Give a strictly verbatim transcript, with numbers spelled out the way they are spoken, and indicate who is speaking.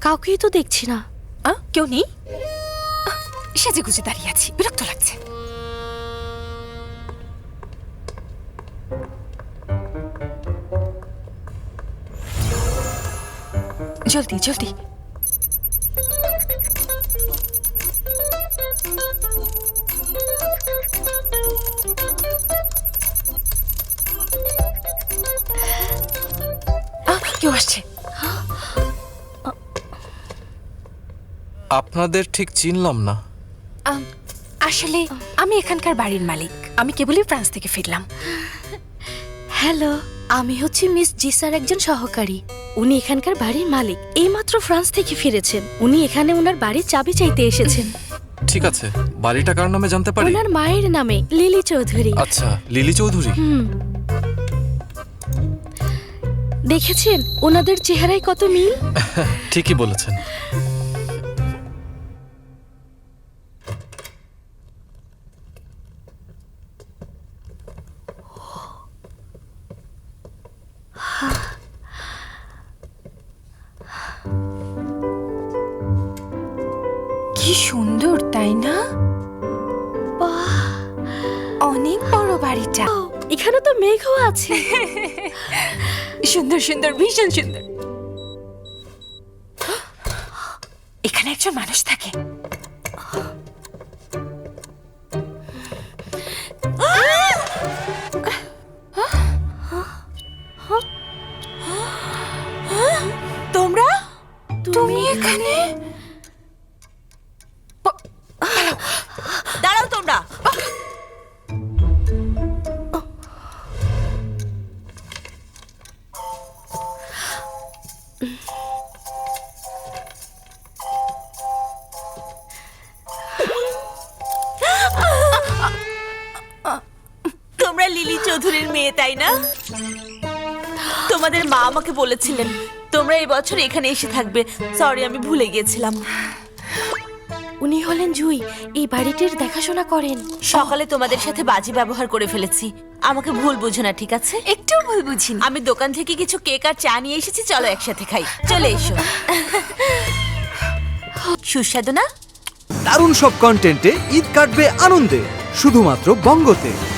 Speaker 1: কাউকেই তো দেখছি না।
Speaker 2: কেউ নেই? সেজে গুজে দাঁড়িয়ে আছি, বিরক্ত লাগছে। জলদি জলদি। কেউ আসছে।
Speaker 3: আপনাদের ঠিক চিনলাম না।
Speaker 2: আসলে আমি এখানকার বাড়ির মালিক। আমি কেবলই ফ্রান্স থেকে ফিরলাম।
Speaker 1: হ্যালো, আমি হচ্ছি মিস জিসার একজন সহকারী। উনি এখানকার বাড়ির মালিক, এইমাত্র ফ্রান্স থেকে ফিরেছেন। উনি এখানে ওনার বাড়ির চাবি চাইতে এসেছেন।
Speaker 3: ঠিক আছে, বাড়িটা কার নামে জানতে পারি?
Speaker 1: ওনার মায়ের নামে, লিলি চৌধুরী।
Speaker 3: আচ্ছা, লিলি চৌধুরী।
Speaker 1: হুম, দেখেছেন ওনাদের চেহারায় কত মিল।
Speaker 3: ঠিকই বলেছেন।
Speaker 2: কি সুন্দর, তাই না? অনেক বড় বাড়িটা।
Speaker 1: এখানে তো মেঘও আছে।
Speaker 2: সুন্দর সুন্দর, ভীষণ সুন্দর। এখানে একজন মানুষ থাকে। তোমরা তুমি এখানে?
Speaker 4: দাঁড়াও তোমরা। তোমরা লিলি চৌধুরীর মেয়ে, তাই না? তোমাদের মা আমাকে বলেছিলেন তোমরা এই বছর এখানে এসে থাকবে। সরি, আমি ভুলে গিয়েছিলাম।
Speaker 1: উনি হলেন জুই, এই বাড়িটির দেখাশোনা করেন।
Speaker 4: সকালে তোমাদের সাথে বাজে ব্যবহার করে ফেলেছি, আমাকে ভুল বুঝো না, ঠিক আছে?
Speaker 2: একটু ভুল বুঝিনি।
Speaker 4: আমি দোকান থেকে কিছু কেক আর চা নিয়ে এসেছি, চলো একসাথে খাই। চলে এসো। সুস্বাদু না?
Speaker 5: দারুণ সব কন্টেন্টে ঈদ কাটবে আনন্দে, শুধুমাত্র বঙ্গতে।